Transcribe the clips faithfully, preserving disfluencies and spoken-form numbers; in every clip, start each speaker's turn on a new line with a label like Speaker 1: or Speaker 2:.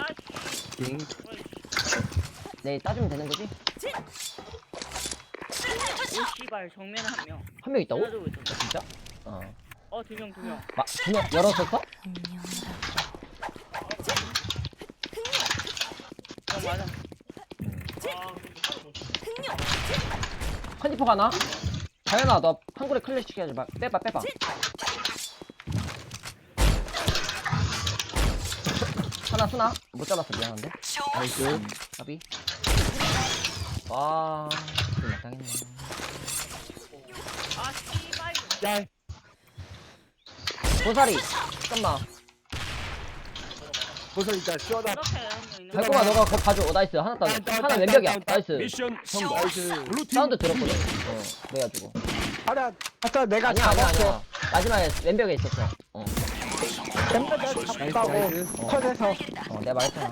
Speaker 1: 빙.
Speaker 2: 네, 따주면 되는 거지?
Speaker 3: 오 씨발 정면 한 명.
Speaker 2: 한 명 있다고?
Speaker 3: 따라주고 있었어.
Speaker 2: 진짜? 어.
Speaker 3: 어 두 명 두 명.
Speaker 2: 마, 두 명 열었었어?
Speaker 3: 어 맞아.
Speaker 2: 컨디퍼 가나? 당연아, 너 한골에 클래식 해야지. 막 빼봐, 빼봐. 하나 쓰나? 못 잡았어, 미안한데.
Speaker 1: 나이스.
Speaker 2: 까비. 와, 좀 약당했네.
Speaker 3: 아 씨발.
Speaker 1: 짤.
Speaker 2: 고사리, 잠깐만.
Speaker 1: 보선 짤. 시원하.
Speaker 3: 이렇게 한명 있는.
Speaker 2: 달콤아, 너가 그거 봐줘. 어, 나이스. 하나 따.
Speaker 1: 다운, 다운,
Speaker 2: 하나
Speaker 1: 다운,
Speaker 2: 왼벽이야.
Speaker 1: 다운,
Speaker 2: 나이스.
Speaker 4: 미션 성공.
Speaker 1: 나이스.
Speaker 4: 블루팀
Speaker 2: 사운드 들었거든? 어, 그래가지고.
Speaker 1: 하나. 아까 내가
Speaker 2: 아니야, 아니야,
Speaker 1: 잡았어.
Speaker 2: 아니야. 마지막에 왼벽에 있었어. 어,
Speaker 1: 내가 잡았다고.
Speaker 4: 나이스.
Speaker 1: 컷에서.
Speaker 2: 어, 내가 말했잖아.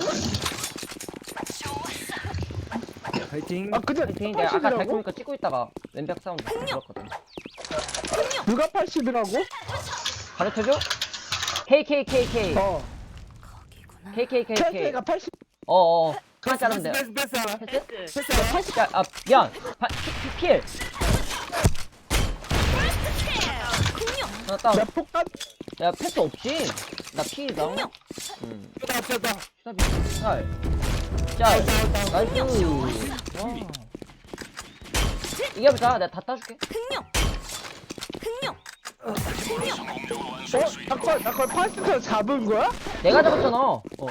Speaker 1: 파이팅.
Speaker 2: 아,
Speaker 1: 아 근데
Speaker 2: 파이팅. 내가 아까
Speaker 1: 팔십이라고?
Speaker 2: 달콤이니까 찍고 있다가 왼벽 사운드 들었거든.
Speaker 1: 누가 팔십이라고?
Speaker 2: 가르쳐줘? 케이케이케이케이.
Speaker 1: 어.
Speaker 2: 케이케이케이케이.
Speaker 1: 캐스가 팔십.
Speaker 2: 어어. 하나 자르면 돼.
Speaker 1: 패스 패스 하나.
Speaker 2: 패스?
Speaker 3: 패스.
Speaker 1: 패스.
Speaker 2: 팔십 자, 아, 미안. 파, 피, 피, 필. 하나 다운.
Speaker 1: 나 폭탄.
Speaker 2: 야, 패스 없지? 나 필이다. 응.
Speaker 1: 나 없었다.
Speaker 2: 스탑이. 짤. 짤. 나이스. 와. 이겨보자. 내가 다 따줄게.
Speaker 1: 어? 나걸 나걸 팔십에서 잡은 거야?
Speaker 2: 내가 잡았잖아. 어. 어.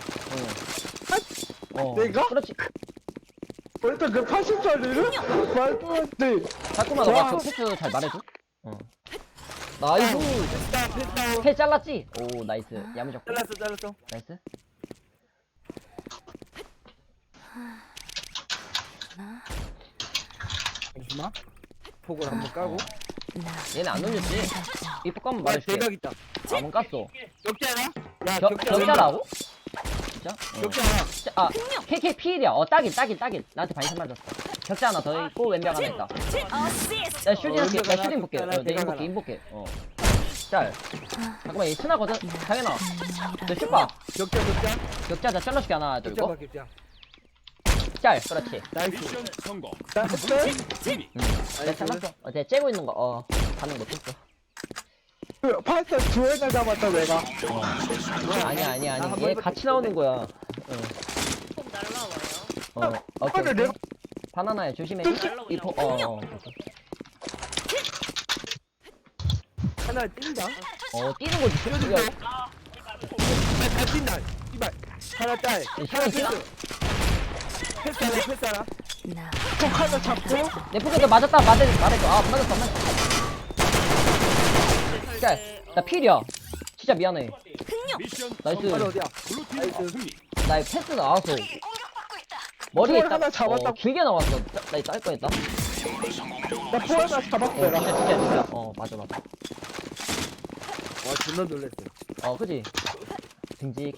Speaker 2: 어.
Speaker 1: 내가?
Speaker 2: 그렇지.
Speaker 1: 벌써 그 팔십짜리를? 말도 안 돼.
Speaker 2: 달콤아, 너가
Speaker 1: 와.
Speaker 2: 그 패스 잘 말해줘. 어. 나이스.
Speaker 1: 패스다 패스다.
Speaker 2: 패 잘랐지? 오, 나이스. 야무졌고.
Speaker 1: 잘랐어 잘랐어.
Speaker 2: 나이스.
Speaker 1: 잠시만. 폭을 한번 까고.
Speaker 2: 얘는 안 올렸지? 이 폭감
Speaker 1: 아
Speaker 2: 말해줄게.
Speaker 1: 대박 있다.
Speaker 2: 아, 뭔 깠어.
Speaker 1: 격자나? 야
Speaker 2: 겨,
Speaker 1: 격자.
Speaker 2: 격자라고? 진짜? 어.
Speaker 1: 격자나.
Speaker 2: 진짜, 아, 케이케이 필이야. 어, 딱인, 딱인, 딱인. 나한테 반샷 맞았어. 격자 하나 더 있고, 왼벽 하나 있다. 나 슈팅
Speaker 1: 어,
Speaker 2: 할게. 나
Speaker 1: 왼벽
Speaker 2: 슈팅
Speaker 1: 하나,
Speaker 2: 볼게.
Speaker 1: 격자
Speaker 2: 어,
Speaker 1: 하나,
Speaker 2: 내
Speaker 1: 대각
Speaker 2: 인볼게,
Speaker 1: 하나.
Speaker 2: 인볼게. 어. 짤. 잠깐만, 얘 스나거든? 당연아. 너 슈퍼.
Speaker 1: 격자 격자.
Speaker 2: 격자, 나 잘라줄게. 하나, 둘,
Speaker 1: 격자 봐
Speaker 2: 고.
Speaker 1: 격자.
Speaker 2: 짤, 그렇지.
Speaker 1: 나이스.
Speaker 4: 미션 성공.
Speaker 1: 나이스.
Speaker 4: 승리.
Speaker 2: 응. 내가 잘랐어. 어, 내가 째고 있는 거, 어, 반응 못했어.
Speaker 1: 팔사 두 회나 잡았다 내가.
Speaker 2: 아니야, 아니야,
Speaker 1: 한
Speaker 2: 아니야. 얘
Speaker 1: 번밖에
Speaker 2: 같이 나오는 거야. 어,
Speaker 3: 꼭 날라와요.
Speaker 2: 어, 오케이.
Speaker 1: 근데 내가-
Speaker 2: 바나나야, 조심해.
Speaker 3: 날라오냐고.
Speaker 2: 이 포, 어, 어.
Speaker 1: 하나 뛴다.
Speaker 2: 어, 뛰는 거지. 야,
Speaker 3: 아
Speaker 1: 다 뛴다. 이발. 하나 딸. 하나
Speaker 2: 시간
Speaker 1: 패스. 패스 하나 패스 하나. 톡 하나 잡고.
Speaker 2: 내 포켓에 맞았다. 맞아, 말해줘. 아, 맞았어, 맞았어. 짤. 나 필이야. 진짜 미안해.
Speaker 4: 미션
Speaker 2: 나이스.
Speaker 1: 하나
Speaker 4: 성공.
Speaker 1: 어디야?
Speaker 4: 블루팀
Speaker 1: 나이스.
Speaker 4: 승리.
Speaker 2: 나 패스 나와서 머리에
Speaker 1: 볼
Speaker 2: 딱
Speaker 1: 하나 잡았다.
Speaker 2: 어, 길게 나왔어. 짜- 나 이거 할 뻔했다.
Speaker 1: 나 포 하나 잡았어
Speaker 2: 어,
Speaker 1: 내가.
Speaker 2: 진짜 진짜 진짜. 어, 맞아 맞아.
Speaker 1: 와 존나 놀랬어.
Speaker 2: 어, 그지. 듬직해.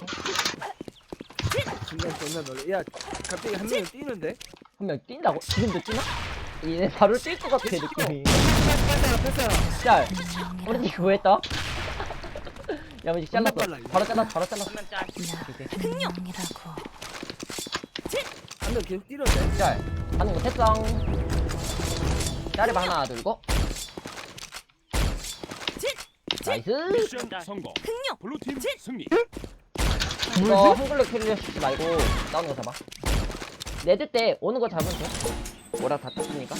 Speaker 1: 존나 존나 놀래. 야 갑자기 한 명이 뛰는데?
Speaker 2: 한 명 뛴다고? 지금도 뛰나? 얘네 바로 뛸 것 같아 느낌이.
Speaker 1: 패스 하나 패스 하나.
Speaker 2: 짤. 우리 그거 했다. 야무지
Speaker 1: 존나
Speaker 2: 잘랐어.
Speaker 1: 빨라, 이거.
Speaker 2: 바로 잘랐어. 바로 잘랐어.
Speaker 3: 한명 짤.
Speaker 2: 오케이.
Speaker 1: 한 명 계속 뛰는데?
Speaker 2: 짤. 하는 거 했어. 짤에 하나 들고. 나이스.
Speaker 4: 미션 성공. 블루팀 승리.
Speaker 2: 이거 한글로 캐리어 시키지 말고 나오는 거 잡아. 레드 때 오는 거 잡으면 돼. 뭐라 다 땄으니까.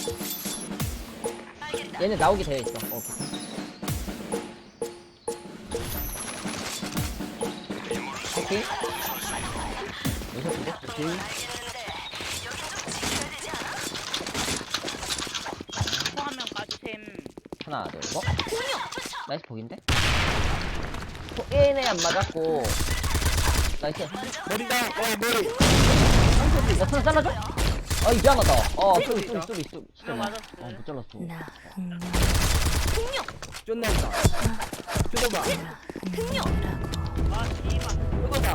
Speaker 2: 얘네 나오게 되어 있어. 어, 오케이. 여기서 두개.
Speaker 1: 오케이.
Speaker 3: 포한명 까주셈.
Speaker 2: 하나, 둘, 셋. 나이스 복인데? 포 얘네 안 맞았고. 나이스.
Speaker 1: 머리다. 어 머리.
Speaker 2: 야, 손 잘라줘? 아, 이 미안하다. 어, 쏘리, 쏘리, 쏘리, 쏘리. 진짜 미안.
Speaker 3: 맞았어.
Speaker 2: 어, 못 잘랐어.
Speaker 1: 쫀나 있다. 뜯어봐.
Speaker 3: 아 씨발.
Speaker 1: 뜯어봐.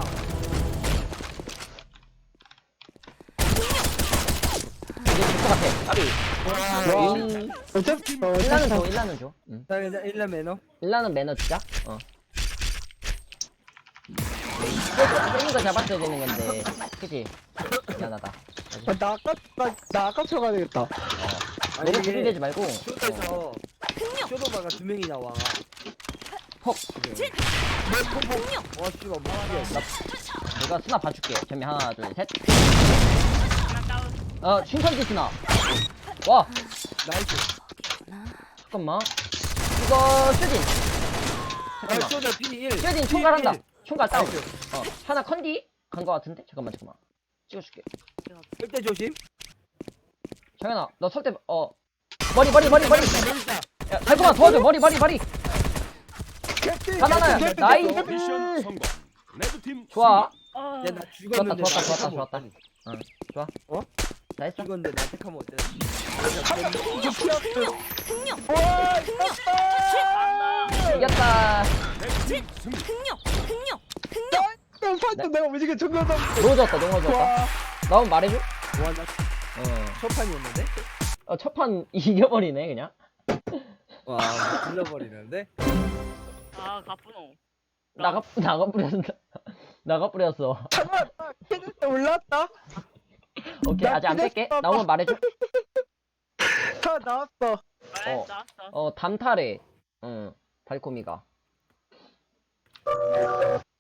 Speaker 2: 이게 될것 같아. 까비.
Speaker 1: 와.
Speaker 2: 음,
Speaker 1: 어차피 어,
Speaker 2: 일라는 줘,
Speaker 1: 어차피
Speaker 2: 일라는 줘. 응.
Speaker 1: 자 일단 일라 매너.
Speaker 2: 일라는 매너 주자. 어. 게임거 잡았어야 되는 건데. 그치? 미안하다.
Speaker 1: 아, 나 아까 나, 나 아까 쳐가야 되겠다.
Speaker 2: 어. 너무 들이대지 말고. 어.
Speaker 1: 쇼도에서 쇼도바가 두 명이 나와.
Speaker 2: 퍽.
Speaker 1: 와 씨발 뭐야.
Speaker 2: 내가 스나 봐줄게. 전면 하나, 둘, 셋.
Speaker 3: 하나 다운.
Speaker 2: 어, 춘천지 스나. 와,
Speaker 1: 나이스.
Speaker 2: 잠깐만. 이거 슈딘.
Speaker 1: 아
Speaker 2: 잠깐만.
Speaker 1: 쇼도 피 일.
Speaker 2: 슈딘 총괄한다. 총괄 다운.
Speaker 1: 나이스.
Speaker 2: 어, 하나 컨디 간 거 같은데? 잠깐만, 잠깐만. 찍어줄게.
Speaker 1: 일대 조심.
Speaker 2: 정현아, 너 설대 어 머리 머리 머리 머리.
Speaker 1: 재밌다.
Speaker 2: 야, 달콤아 도와줘. 머리 머리 머리. 바나나야.
Speaker 1: 캡틴,
Speaker 2: 나이스.
Speaker 1: 캡틴,
Speaker 4: 미션 성공. 레드팀
Speaker 2: 좋아.
Speaker 3: 아,
Speaker 1: 야, 나
Speaker 2: 좋았다,
Speaker 1: 죽었는데.
Speaker 2: 좋았다,
Speaker 1: 나
Speaker 2: 좋았다,
Speaker 1: 택하면
Speaker 2: 좋았다.
Speaker 1: 어떡하니?
Speaker 2: 응, 좋아.
Speaker 1: 어?
Speaker 2: 잘했어.
Speaker 1: 죽었는데 나 택하면 어쩌지? 이거 피었어. 와, 이겼다.
Speaker 2: 이겼다.
Speaker 4: 레드팀 승리.
Speaker 1: 야, 판도 내가 무지개 정면다.
Speaker 2: 넘어졌다, 넘어졌다.
Speaker 1: 와,
Speaker 2: 나오면 말해줘.
Speaker 1: 와, 나
Speaker 2: 어,
Speaker 1: 첫판이었는데?
Speaker 2: 어 첫판 이겨버리네 그냥.
Speaker 1: 와, 질러버리는데?
Speaker 3: 아, 가쁘노.
Speaker 2: 나가 나가 뿌렸다. 나가 뿌렸어.
Speaker 1: 잠깐, 나 캐릭터 올랐다.
Speaker 2: 오케이 아직 안 뺄게. 나오면 말해줘.
Speaker 1: 다 나왔어.
Speaker 3: 아,
Speaker 2: 어.
Speaker 3: 나왔어.
Speaker 2: 어 담탈해. 응 달콤이가.